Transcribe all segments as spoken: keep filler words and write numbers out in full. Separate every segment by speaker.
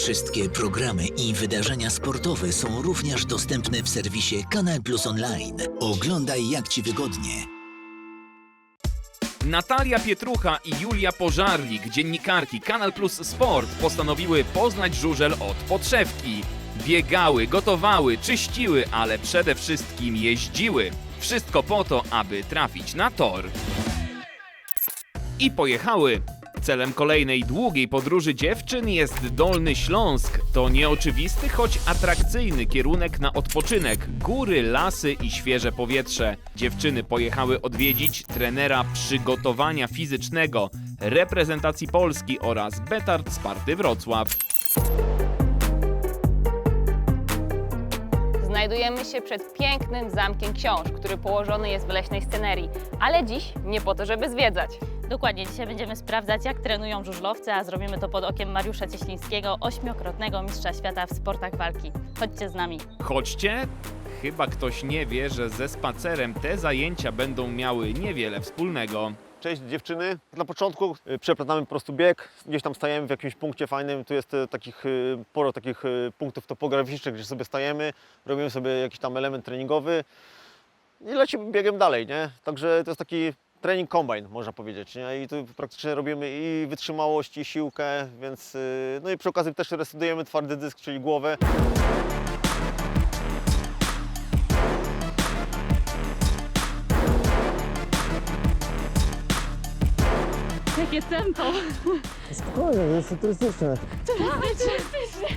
Speaker 1: Wszystkie programy i wydarzenia sportowe są również dostępne w serwisie Kanal Plus Online. Oglądaj jak Ci wygodnie.
Speaker 2: Natalia Pietrucha i Julia Pożarlik, dziennikarki Kanal Plus Sport, postanowiły poznać żużel od podszewki. Biegały, gotowały, czyściły, ale przede wszystkim jeździły. Wszystko po to, aby trafić na tor. I pojechały. Celem kolejnej długiej podróży dziewczyn jest Dolny Śląsk. To nieoczywisty, choć atrakcyjny kierunek na odpoczynek. Góry, lasy i świeże powietrze. Dziewczyny pojechały odwiedzić trenera przygotowania fizycznego reprezentacji Polski oraz Betard Sparty Wrocław.
Speaker 3: Znajdujemy się przed pięknym Zamkiem Książ, który położony jest w leśnej scenerii. Ale dziś nie po to, żeby zwiedzać.
Speaker 4: Dokładnie, dzisiaj będziemy sprawdzać, jak trenują żużlowcy, a zrobimy to pod okiem Mariusza Cieślińskiego, ośmiokrotnego mistrza świata w sportach walki. Chodźcie z nami.
Speaker 2: Chodźcie? Chyba ktoś nie wie, że ze spacerem te zajęcia będą miały niewiele wspólnego.
Speaker 5: Cześć dziewczyny. Na początku y, przeplatamy po prostu bieg, gdzieś tam stajemy w jakimś punkcie fajnym, tu jest y, takich, y, sporo takich y, punktów topograficznych, gdzie sobie stajemy, robimy sobie jakiś tam element treningowy i lecimy biegiem dalej, nie? Także to jest taki trening kombine, można powiedzieć, nie? I tu praktycznie robimy i wytrzymałość, i siłkę, więc y, no i przy okazji też resetujemy twardy dysk, czyli głowę.
Speaker 4: Jakie tempo!
Speaker 6: Spokojnie, to jest turystyczne.
Speaker 4: Turystyczne!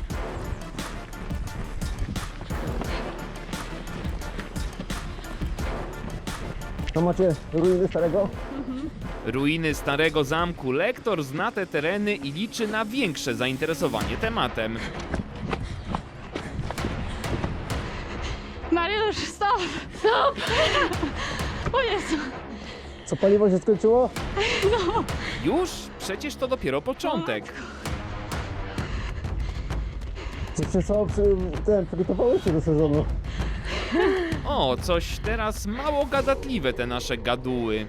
Speaker 6: To macie ruiny starego?
Speaker 2: Ruiny Starego Zamku. Lektor zna te tereny i liczy na większe zainteresowanie tematem.
Speaker 4: Mariusz, stop! Stop! O Jezu!
Speaker 6: Co, paliwo się skończyło?
Speaker 2: Już? Przecież to dopiero początek.
Speaker 6: Czy przez co przy, ten, przygotowałeś się do sezonu?
Speaker 2: O, coś teraz mało gadatliwe te nasze gaduły.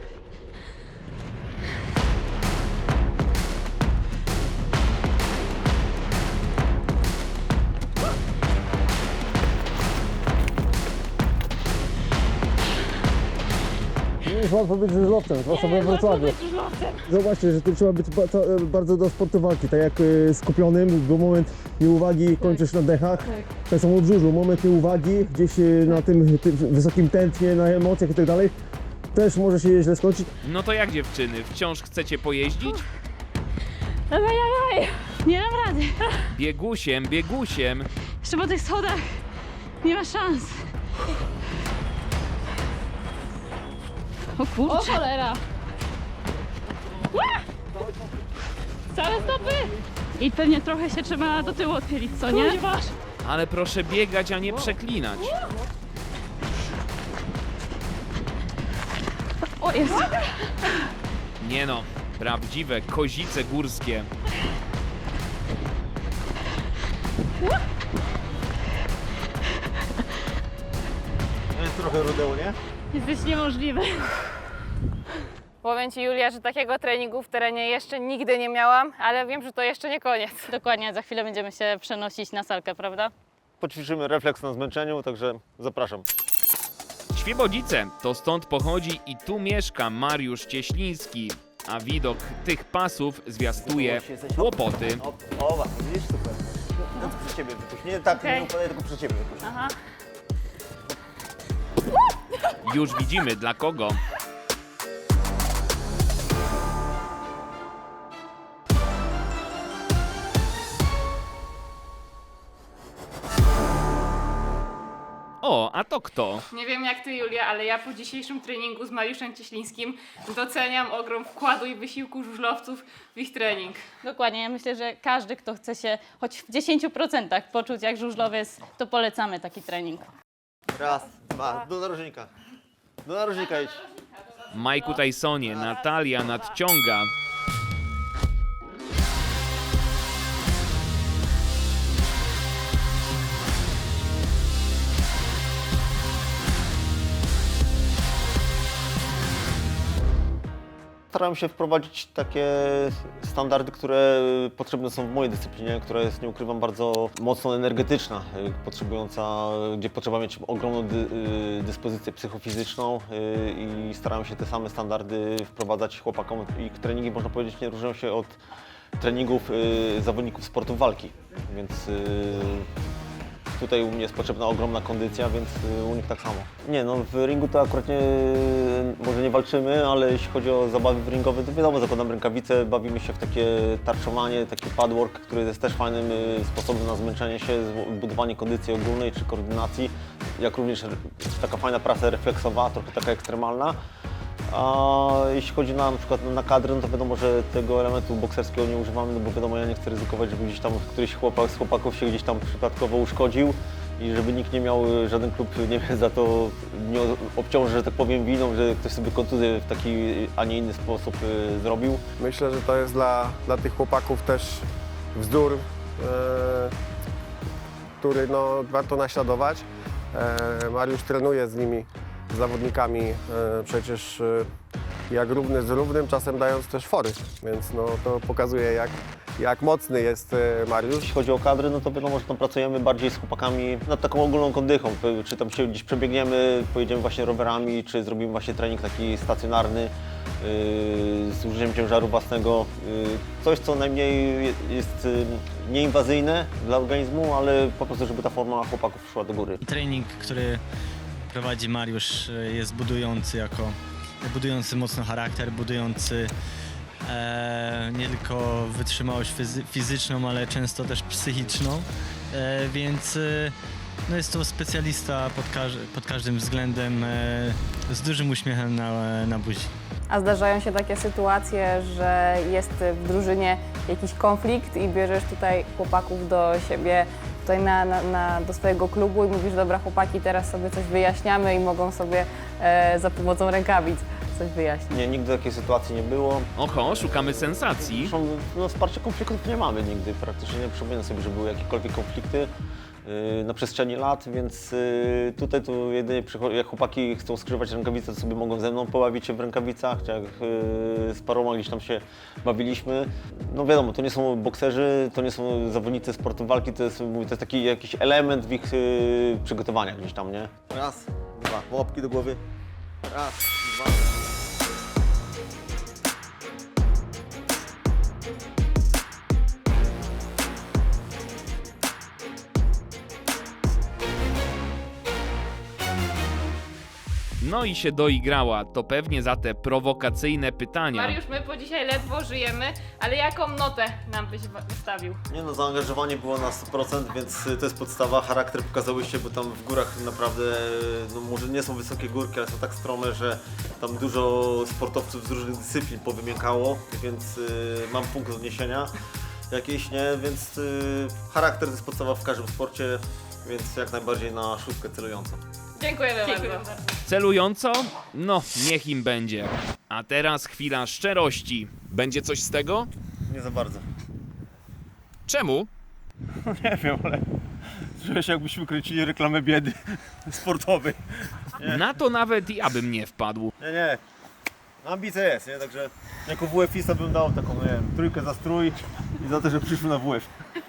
Speaker 6: Nie jest łatwo być żużlowcem, zwłaszcza we Wrocławiu. Zobaczcie, że tu trzeba być ba to, bardzo do sportu walki, tak jak y, skupionym, bo moment nieuwagi kończysz na dechach. Tak samo w żużlu, moment nieuwagi, gdzieś y, na tym, tym wysokim tętnie, na emocjach i tak dalej, też może się źle skończyć.
Speaker 2: No to jak dziewczyny, wciąż chcecie pojeździć?
Speaker 4: Dawaj, dawaj! Nie dam rady.
Speaker 2: Biegusiem, biegusiem.
Speaker 4: Jeszcze po tych schodach nie ma szans. O kurczę. O cholera! Całe stopy! I pewnie trochę się trzeba do tyłu odchylić, co nie?
Speaker 2: Ale proszę biegać, a nie przeklinać.
Speaker 4: O Jezu!
Speaker 2: Nie no, prawdziwe kozice górskie.
Speaker 5: To jest trochę rudeł, nie?
Speaker 4: Jesteś niemożliwy.
Speaker 3: Powiem Ci, Julia, że takiego treningu w terenie jeszcze nigdy nie miałam, ale wiem, że to jeszcze nie koniec.
Speaker 4: Dokładnie, za chwilę będziemy się przenosić na salkę, prawda?
Speaker 5: Poćwiczymy refleks na zmęczeniu, także zapraszam.
Speaker 2: Świebodzice, to stąd pochodzi i tu mieszka Mariusz Cieśliński. A widok tych pasów zwiastuje kłopoty.
Speaker 5: O, o widzisz, super. No to przy ciebie wypuść. Nie tak,
Speaker 3: Okej.
Speaker 5: nie upadaj, tylko przy ciebie wypuść.
Speaker 3: Aha.
Speaker 2: Już widzimy dla kogo. O, a to kto?
Speaker 3: Nie wiem jak Ty, Julia, ale ja po dzisiejszym treningu z Mariuszem Cieślińskim doceniam ogrom wkładu i wysiłku żużlowców w ich trening.
Speaker 4: Dokładnie, ja myślę, że każdy, kto chce się choć w dziesięciu procentach poczuć jak żużlowiec, to polecamy taki trening.
Speaker 5: Raz, dwa, do narożnika. Do narożnika idź.
Speaker 2: Majku Tysonie, Natalia nadciąga.
Speaker 5: Starałem się wprowadzić takie standardy, które potrzebne są w mojej dyscyplinie, która jest, nie ukrywam, bardzo mocno energetyczna, y, potrzebująca, gdzie potrzeba mieć ogromną dy, y, dyspozycję psychofizyczną y, i starałem się te same standardy wprowadzać chłopakom. Ich treningi, można powiedzieć, nie różnią się od treningów y, zawodników sportów walki, więc y, tutaj u mnie jest potrzebna ogromna kondycja, więc y, u nich tak samo. Nie, no w ringu to akurat nie, może nie walczymy, ale jeśli chodzi o zabawy ringowe, to wiadomo, zakładam rękawice, bawimy się w takie tarczowanie, taki padwork, który jest też fajnym y, sposobem na zmęczenie się, budowanie kondycji ogólnej czy koordynacji, jak również taka fajna praca refleksowa, trochę taka ekstremalna. A jeśli chodzi na, na przykład na kadrę, no to wiadomo, że tego elementu bokserskiego nie używamy, no bo wiadomo, ja nie chcę ryzykować, żeby gdzieś tam któryś chłopak z chłopaków się gdzieś tam przypadkowo uszkodził i żeby nikt nie miał, żaden klub nie wiem, za to nie obciąży, że tak powiem, winą, że ktoś sobie kontuzję w taki, a nie inny sposób y, zrobił.
Speaker 7: Myślę, że to jest dla, dla tych chłopaków też wzór, e, który no, warto naśladować. E, Mariusz trenuje z nimi, z zawodnikami e, przecież e, jak równy z równym, czasem dając też fory, więc no, to pokazuje jak, jak mocny jest e, Mariusz.
Speaker 5: Jeśli chodzi o kadry, no to wiadomo, że tam pracujemy bardziej z chłopakami nad taką ogólną kondychą. Czy tam się gdzieś przebiegniemy, pojedziemy właśnie rowerami, czy zrobimy właśnie trening taki stacjonarny yy, z użyciem ciężaru własnego. Yy, coś, co najmniej jest yy, nieinwazyjne dla organizmu, ale po prostu, żeby ta forma chłopaków szła do góry.
Speaker 8: Trening, który prowadzi Mariusz, jest budujący jako budujący mocno charakter, budujący e, nie tylko wytrzymałość fizy fizyczną, ale często też psychiczną, e, więc e, no jest to specjalista pod, każ pod każdym względem, e, z dużym uśmiechem na, na buzi.
Speaker 9: A zdarzają się takie sytuacje, że jest w drużynie jakiś konflikt i bierzesz tutaj chłopaków do siebie, tutaj na, na, na, do swojego klubu i mówisz, dobra chłopaki, teraz sobie coś wyjaśniamy i mogą sobie e, za pomocą rękawic coś wyjaśnić.
Speaker 5: Nie, nigdy takiej sytuacji nie było.
Speaker 2: Oho, szukamy sensacji.
Speaker 5: Zresztą no, wsparcie konfliktów nie mamy nigdy, praktycznie nie przypominam sobie, że były jakiekolwiek konflikty yy, na przestrzeni lat, więc yy, tutaj to jedynie jak chłopaki chcą skrzyżować rękawice, to sobie mogą ze mną pobawić się w rękawicach, czy jak yy, z paroma gdzieś tam się bawiliśmy. No wiadomo, to nie są bokserzy, to nie są zawodnicy sportu walki, to jest, mówię, to jest taki jakiś element w ich yy, przygotowania gdzieś tam, nie? Raz, dwa, łapki do głowy, raz, dwa.
Speaker 2: No i się doigrała, to pewnie za te prowokacyjne pytania.
Speaker 3: Mariusz, my po dzisiaj ledwo żyjemy, ale jaką notę nam byś wystawił?
Speaker 5: Nie no, zaangażowanie było na sto procent, więc to jest podstawa. Charakter pokazałyście, bo tam w górach naprawdę, no może nie są wysokie górki, ale są tak strome, że tam dużo sportowców z różnych dyscyplin powymiękało, więc y, mam punkt odniesienia jakiś, nie? Więc y, charakter to jest podstawa w każdym sporcie, więc jak najbardziej na szóstkę celującą.
Speaker 3: Dziękujemy, Dziękujemy bardzo.
Speaker 2: Celująco? No, niech im będzie. A teraz chwila szczerości. Będzie coś z tego?
Speaker 5: Nie za bardzo.
Speaker 2: Czemu?
Speaker 5: Nie wiem, ale czuję się, jakbyśmy kręcili reklamę biedy sportowej.
Speaker 2: Na to nawet ja bym nie wpadł.
Speaker 5: Nie, nie. Ambicja jest, nie? Także jako W F ista bym dał taką, nie wiem, trójkę za strój i za to, że przyszły na W F.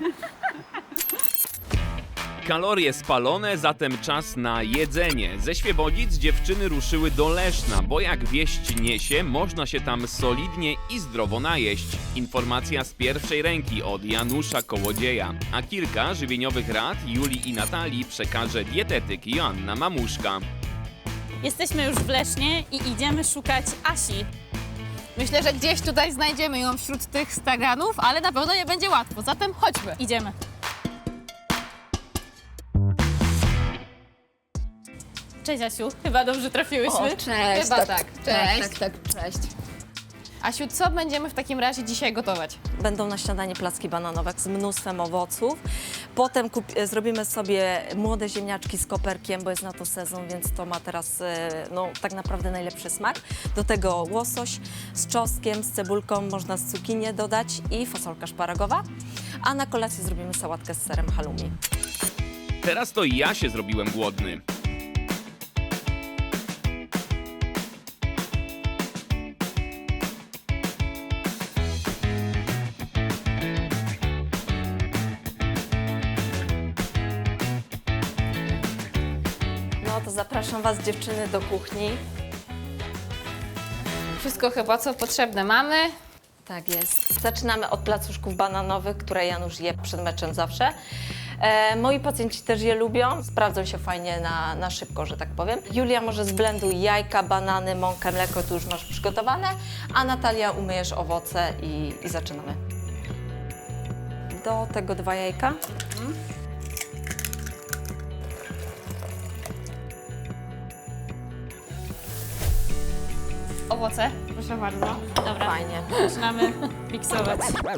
Speaker 2: Kalorie spalone, zatem czas na jedzenie. Ze Świebodzic dziewczyny ruszyły do Leszna, bo jak wieść niesie, można się tam solidnie i zdrowo najeść. Informacja z pierwszej ręki od Janusza Kołodzieja. A kilka żywieniowych rad Julii i Natalii przekaże dietetyk Joanna Mamuszka.
Speaker 4: Jesteśmy już w Lesznie i idziemy szukać Asi. Myślę, że gdzieś tutaj znajdziemy ją wśród tych staganów, ale na pewno nie będzie łatwo, zatem chodźmy. Idziemy. Cześć Asiu, chyba dobrze trafiłyśmy.
Speaker 9: O, cześć.
Speaker 4: Chyba tak. Cześć.
Speaker 9: Tak, tak, cześć.
Speaker 4: Asiu, co będziemy w takim razie dzisiaj gotować?
Speaker 10: Będą na śniadanie placki bananowe z mnóstwem owoców. Potem kup, zrobimy sobie młode ziemniaczki z koperkiem, bo jest na to sezon, więc to ma teraz e, no, tak naprawdę najlepszy smak. Do tego łosoś z czosnkiem, z cebulką, można z cukinię dodać i fasolka szparagowa. A na kolację zrobimy sałatkę z serem halloumi.
Speaker 2: Teraz to ja się zrobiłem głodny.
Speaker 10: No to zapraszam Was, dziewczyny, do kuchni.
Speaker 3: Wszystko chyba, co potrzebne mamy.
Speaker 10: Tak jest. Zaczynamy od placuszków bananowych, które Janusz je przed meczem zawsze. E, moi pacjenci też je lubią, sprawdzą się fajnie na, na szybko, że tak powiem. Julia może zblenduj jajka, banany, mąkę, mleko, tu już masz przygotowane, a Natalia umyjesz owoce i, i zaczynamy. Do tego dwa jajka. Mhm.
Speaker 3: Owoce, proszę bardzo.
Speaker 4: Dobra,
Speaker 10: Fajnie.
Speaker 4: zaczynamy miksować.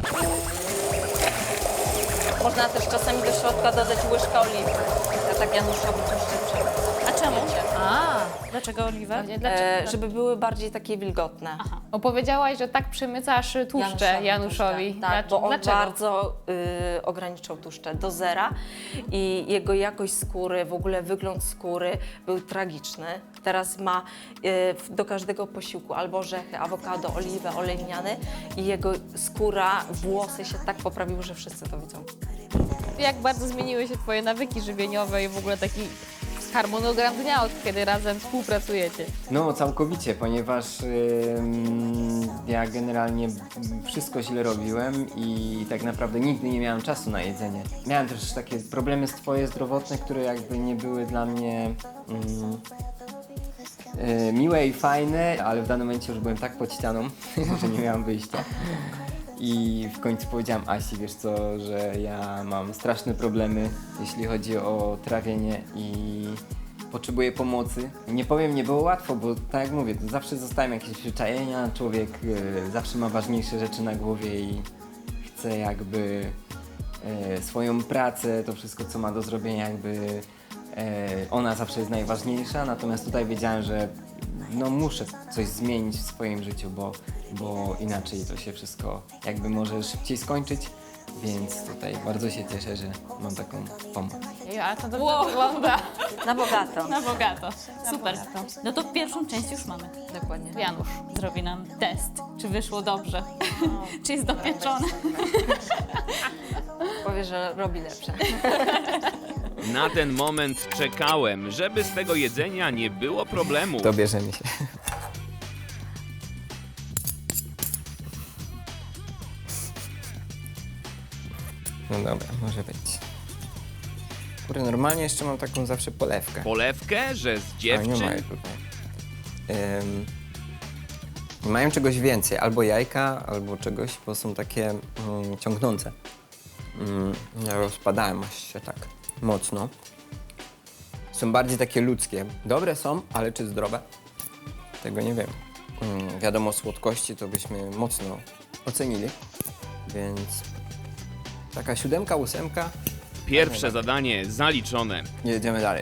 Speaker 10: Można też czasami do środka dodać łyżkę oliwy. Ja tak Januszowi tłuszczy.
Speaker 4: A czemu? A, dlaczego oliwę?
Speaker 3: Pewnie dlaczego?
Speaker 10: E, żeby były bardziej takie wilgotne.
Speaker 4: Aha.
Speaker 3: Opowiedziałaś, że tak przemycasz tłuszcze Januszowi.
Speaker 10: tłuszcze. Tak,
Speaker 3: Dlac-
Speaker 10: bo on
Speaker 3: Dlaczego?
Speaker 10: bardzo y, ograniczał tłuszcze do zera i jego jakość skóry, w ogóle wygląd skóry był tragiczny. Teraz ma y, w- do każdego posiłku albo orzechy, awokado, oliwę, olej lniany i jego skóra, włosy się tak poprawiły, że wszyscy to widzą.
Speaker 3: Jak bardzo zmieniły się Twoje nawyki żywieniowe i w ogóle taki harmonogram dnia, od kiedy razem współpracujecie?
Speaker 11: No, całkowicie, ponieważ ym, ja generalnie wszystko źle robiłem i tak naprawdę nigdy nie miałem czasu na jedzenie. Miałem też takie problemy swoje zdrowotne, które jakby nie były dla mnie ym, y, miłe i fajne, ale w danym momencie już byłem tak pod ścianą, że nie miałem wyjścia. I w końcu powiedziałam Asi, wiesz co, że ja mam straszne problemy, jeśli chodzi o trawienie i potrzebuję pomocy. Nie powiem, nie było łatwo, bo tak jak mówię, to zawsze zostają jakieś przyczajenia, człowiek y, zawsze ma ważniejsze rzeczy na głowie i chce jakby y, swoją pracę, to wszystko co ma do zrobienia jakby y, ona zawsze jest najważniejsza, natomiast tutaj wiedziałem, że no muszę coś zmienić w swoim życiu, bo, bo inaczej to się wszystko jakby może szybciej skończyć, więc tutaj bardzo się cieszę, że mam taką pomoc.
Speaker 3: Ej, ale to dobrze
Speaker 4: Wow.
Speaker 3: wygląda.
Speaker 10: Na bogato.
Speaker 4: Na bogato. Super. No to pierwszą część już mamy.
Speaker 10: Dokładnie.
Speaker 3: Janusz.
Speaker 4: Zrobi nam test, czy wyszło dobrze, czy jest dopieczone.
Speaker 10: Powie, że robi lepsze.
Speaker 2: Na ten moment czekałem, żeby z tego jedzenia nie było problemu.
Speaker 11: To bierzemy się. No dobra, może być. Kurde, normalnie jeszcze mam taką zawsze polewkę.
Speaker 2: Polewkę, że z
Speaker 11: A nie
Speaker 2: dziewczyn
Speaker 11: mają tutaj. Ym, mają czegoś więcej, albo jajka, albo czegoś, bo są takie mm, ciągnące. Mm, ja rozpadałem aż się tak mocno. Są bardziej takie ludzkie. Dobre są, ale czy zdrowe? Tego nie wiem. Mm, wiadomo, słodkości to byśmy mocno ocenili, więc taka siódemka, ósemka.
Speaker 2: pierwsze zadanie zaliczone.
Speaker 11: Jedziemy dalej.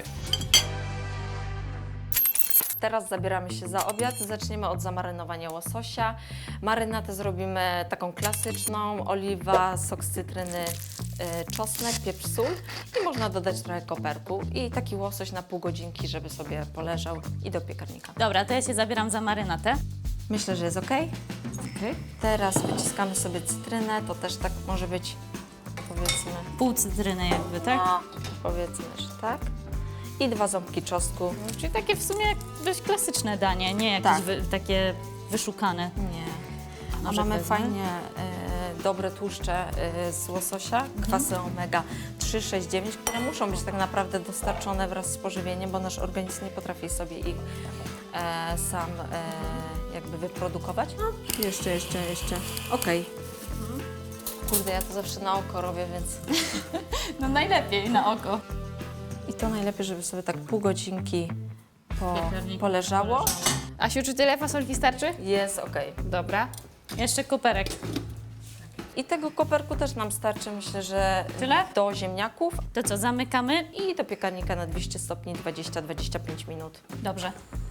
Speaker 10: Teraz zabieramy się za obiad. Zaczniemy od zamarynowania łososia. Marynatę zrobimy taką klasyczną. Oliwa, sok z cytryny, y, czosnek, pieprz, sól i można dodać trochę koperku. I taki łosoś na pół godzinki, żeby sobie poleżał i do piekarnika.
Speaker 4: Dobra, to ja się zabieram za marynatę.
Speaker 10: Myślę, że jest ok.
Speaker 4: Okay.
Speaker 10: Teraz wyciskamy sobie cytrynę. To też tak może być, powiedzmy,
Speaker 4: Pół cytryny jakby, tak?
Speaker 10: no, powiedzmy, że tak. I dwa ząbki czosnku.
Speaker 4: Czyli takie w sumie dość klasyczne danie, nie jakieś
Speaker 10: Tak.
Speaker 4: wy, takie wyszukane.
Speaker 10: Nie. A
Speaker 4: Może
Speaker 10: mamy
Speaker 4: wezmę?
Speaker 10: fajnie e, dobre tłuszcze e, z łososia, kwasy omega trzy, sześć, dziewięć, które muszą być tak naprawdę dostarczone wraz z pożywieniem, bo nasz organizm nie potrafi sobie ich e, sam e, jakby wyprodukować. No, jeszcze, jeszcze, jeszcze. Okej. Kurde, ja to zawsze na oko robię, więc...
Speaker 4: No najlepiej na oko.
Speaker 10: I to najlepiej, żeby sobie tak pół godzinki po,
Speaker 4: Piekarniku
Speaker 10: poleżało.
Speaker 3: Asiu, czy tyle fasolki starczy?
Speaker 10: Jest okej.
Speaker 3: Dobra.
Speaker 4: Jeszcze koperek.
Speaker 10: I tego koperku też nam starczy, myślę, że
Speaker 4: Tyle?
Speaker 10: do ziemniaków
Speaker 4: To co, zamykamy?
Speaker 10: i do piekarnika na dwieście stopni dwadzieścia do dwudziestu pięciu minut.
Speaker 4: Dobrze.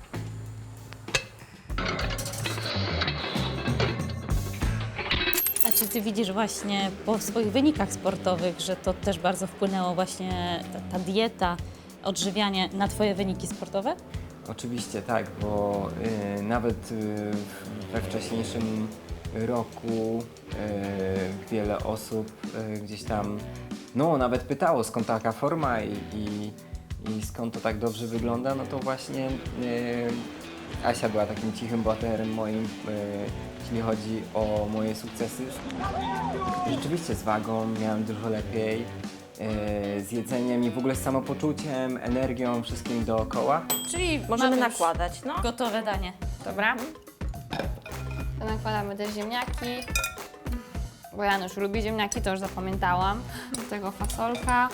Speaker 4: A czy ty widzisz właśnie po swoich wynikach sportowych, że to też bardzo wpłynęło właśnie ta, ta dieta, odżywianie na twoje wyniki sportowe?
Speaker 11: Oczywiście tak, bo y, nawet y, we wcześniejszym roku y, wiele osób y, gdzieś tam, no nawet pytało skąd taka forma i, i, i skąd to tak dobrze wygląda, no to właśnie e, Asia była takim cichym bohaterem moim, e, jeśli chodzi o moje sukcesy. Rzeczywiście z wagą miałem dużo lepiej, e, z jedzeniem i w ogóle z samopoczuciem, energią, wszystkim dookoła.
Speaker 4: Czyli
Speaker 10: Możemy
Speaker 4: mamy już
Speaker 10: nakładać, no.
Speaker 4: gotowe danie. Dobra.
Speaker 9: To nakładamy te ziemniaki, bo Janusz lubi ziemniaki, to już zapamiętałam. Do tego fasolka.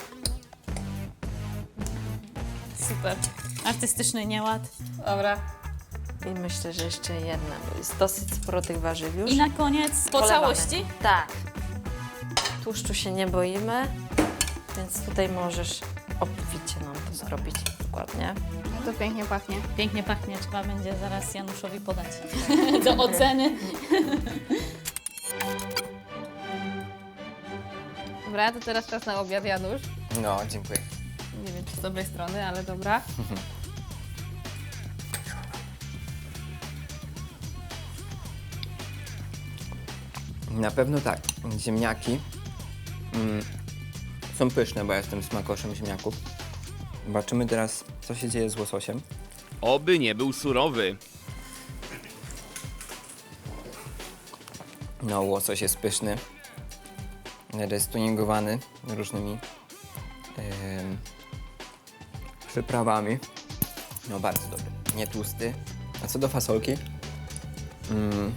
Speaker 4: Super. Artystyczny nieład.
Speaker 9: Dobra.
Speaker 10: I myślę, że jeszcze jedna, bo jest dosyć sporo tych warzyw już.
Speaker 4: I na koniec po
Speaker 10: Polewamy.
Speaker 4: całości.
Speaker 10: Tak. Tłuszczu się nie boimy, więc tutaj możesz obficie nam to zrobić. Dokładnie.
Speaker 9: To pięknie pachnie.
Speaker 4: Pięknie pachnie, trzeba będzie zaraz Januszowi podać do oceny.
Speaker 9: Dobra, to teraz czas na obiad, Janusz.
Speaker 11: No, dziękuję.
Speaker 9: Nie wiem, czy z dobrej strony, ale dobra.
Speaker 11: Na pewno tak. Ziemniaki mm, są pyszne, bo ja jestem smakoszem ziemniaków. Zobaczymy teraz, co się dzieje z łososiem.
Speaker 2: Oby nie był surowy.
Speaker 11: No, łosoś jest pyszny. Jest tuningowany różnymi em, przyprawami. No, bardzo dobry. Nie tłusty. A co do fasolki? Mm,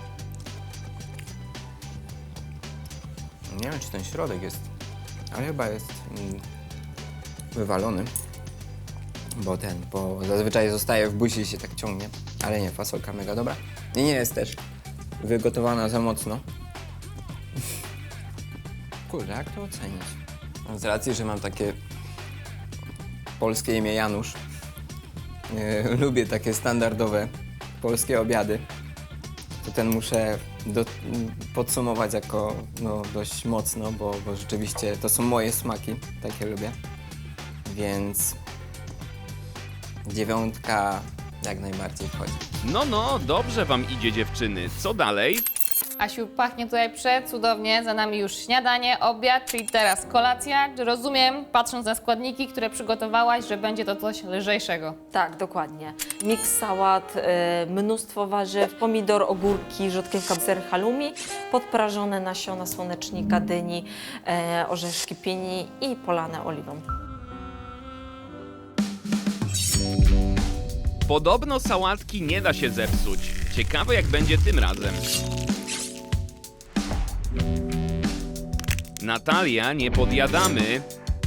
Speaker 11: nie wiem, czy ten środek jest, ale chyba jest mm, wywalony. Bo ten, bo zazwyczaj zostaje w buzi i się tak ciągnie. Ale nie, fasolka mega dobra. I nie jest też wygotowana za mocno. Kurde, jak to ocenić? Z racji, że mam takie polskie imię Janusz, yy, lubię takie standardowe polskie obiady, to ten muszę do, podsumować jako no, dość mocno, bo, bo rzeczywiście to są moje smaki, takie lubię. Więc dziewiątka jak najbardziej wchodzi.
Speaker 2: No, no, dobrze wam idzie, dziewczyny. Co dalej?
Speaker 9: Asiu, pachnie tutaj przecudownie, za nami już śniadanie, obiad, czyli teraz kolacja. Rozumiem, patrząc na składniki, które przygotowałaś, że będzie to coś lżejszego.
Speaker 10: Tak, dokładnie. Miks sałat, y, mnóstwo warzyw, pomidor, ogórki, rzodkiewka, ser halloumi, podprażone nasiona słonecznika, dyni, y, orzeszki pieni i polane oliwą.
Speaker 2: Podobno sałatki nie da się zepsuć. Ciekawe, jak będzie tym razem. Natalia, nie podjadamy.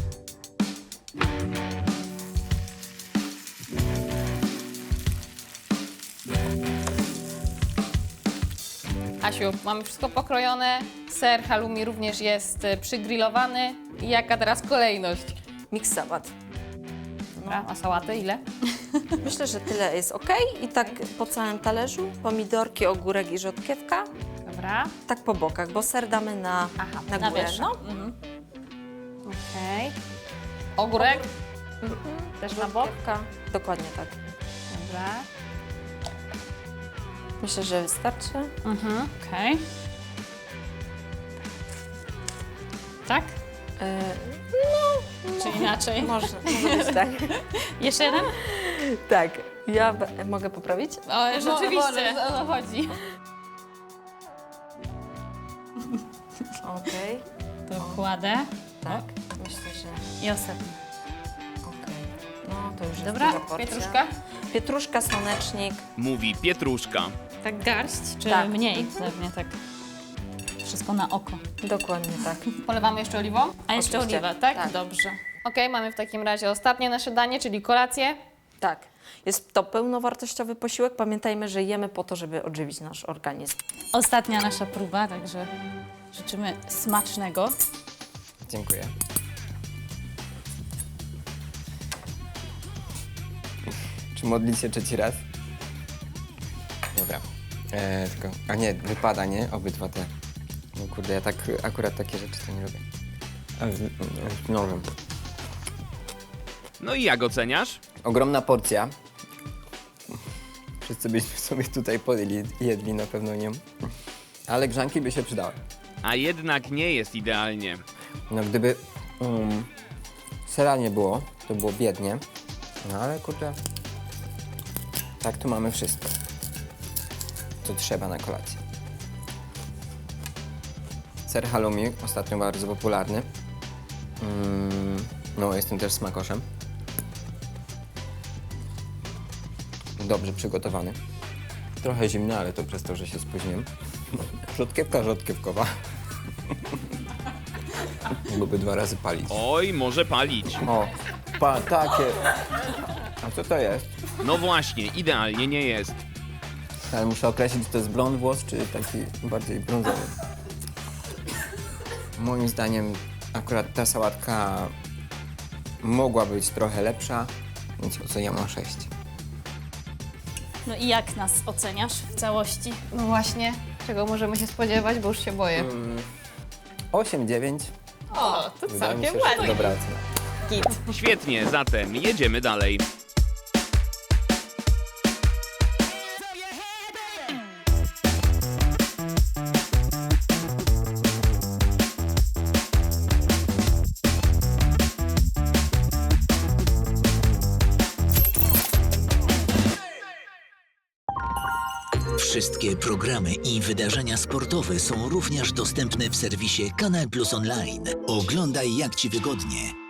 Speaker 9: Asiu, mamy wszystko pokrojone, ser halloumi również jest y, przygrillowany. I jaka teraz kolejność?
Speaker 10: Miks sałat.
Speaker 9: Dobra, a sałaty ile?
Speaker 10: Myślę, że tyle jest ok. I tak po całym talerzu pomidorki, ogórek i rzodkiewka.
Speaker 9: Dobra.
Speaker 10: Tak po bokach, bo ser damy na,
Speaker 9: Aha,
Speaker 10: na
Speaker 9: na
Speaker 10: górę.
Speaker 9: wierzch.
Speaker 10: No.
Speaker 9: Mhm. Okej. Ogórek? Też na bok?
Speaker 10: Rzodkiewka. Dokładnie tak.
Speaker 9: Dobra.
Speaker 10: Myślę, że wystarczy.
Speaker 9: Mhm. Okej. Tak?
Speaker 10: E,
Speaker 4: Czy inaczej?
Speaker 10: Może, może być tak.
Speaker 4: Jeszcze jeden?
Speaker 10: Tak. Ja b- mogę poprawić?
Speaker 4: O, rzeczywiście.
Speaker 9: O to chodzi.
Speaker 10: Okej.
Speaker 4: To kładę.
Speaker 10: Tak. Myślę, że...
Speaker 4: I ostatni.
Speaker 10: Okej. No to już jest
Speaker 9: Dobra,
Speaker 10: duża porcja.
Speaker 9: pietruszka?
Speaker 10: Pietruszka, słonecznik.
Speaker 2: Mówi Pietruszka.
Speaker 4: Tak garść, czy
Speaker 10: Tak.
Speaker 4: mniej? Pewnie tak. Wszystko na oko.
Speaker 10: Dokładnie tak.
Speaker 9: Polewamy jeszcze oliwą?
Speaker 4: A jeszcze
Speaker 10: Oczywiście.
Speaker 4: oliwa, tak?
Speaker 10: Tak.
Speaker 4: Dobrze.
Speaker 9: Okej, mamy w takim razie ostatnie nasze danie, czyli kolację.
Speaker 10: Tak. Jest to pełnowartościowy posiłek. Pamiętajmy, że jemy po to, żeby odżywić nasz organizm.
Speaker 4: Ostatnia nasza próba, także życzymy smacznego.
Speaker 11: Dziękuję. Czy modlić się trzeci raz? Dobra. E, tylko, a nie, wypada, nie? Obydwa te. No kurde, ja tak akurat takie rzeczy to nie lubię. A, z, z nożem.
Speaker 2: No i jak oceniasz?
Speaker 11: Ogromna porcja. Wszyscy byśmy sobie tutaj podjęli, jedli na pewno nie. Ale grzanki by się przydały.
Speaker 2: A jednak nie jest idealnie.
Speaker 11: No gdyby um, Sera nie było, to było biednie, no ale kurde, tak tu mamy wszystko, co trzeba na kolację. Ser halloumi, ostatnio bardzo popularny. Mm, no, jestem też smakoszem. Dobrze przygotowany. Trochę zimny, ale to przez to, że się spóźniłem. Rzodkiewka rzodkiewkowa. Mógłby dwa razy palić.
Speaker 2: Oj, może palić.
Speaker 11: O, pa, takie. A co to jest?
Speaker 2: No właśnie, idealnie nie jest.
Speaker 11: Ale muszę określić, czy to jest blond włos, czy taki bardziej brązowy. Moim zdaniem akurat ta sałatka mogła być trochę lepsza, więc oceniam na sześć.
Speaker 4: No i jak nas oceniasz w całości?
Speaker 9: No właśnie, czego możemy się spodziewać, bo już się boję.
Speaker 11: osiem dziewięć.
Speaker 4: O, to
Speaker 11: Wydaje mi się,
Speaker 4: całkiem
Speaker 11: że
Speaker 4: ładnie.
Speaker 11: dobra ocena.
Speaker 4: Git.
Speaker 2: Świetnie, zatem jedziemy dalej.
Speaker 1: Wszystkie programy i wydarzenia sportowe są również dostępne w serwisie Kanal Plus Online. Oglądaj jak Ci wygodnie.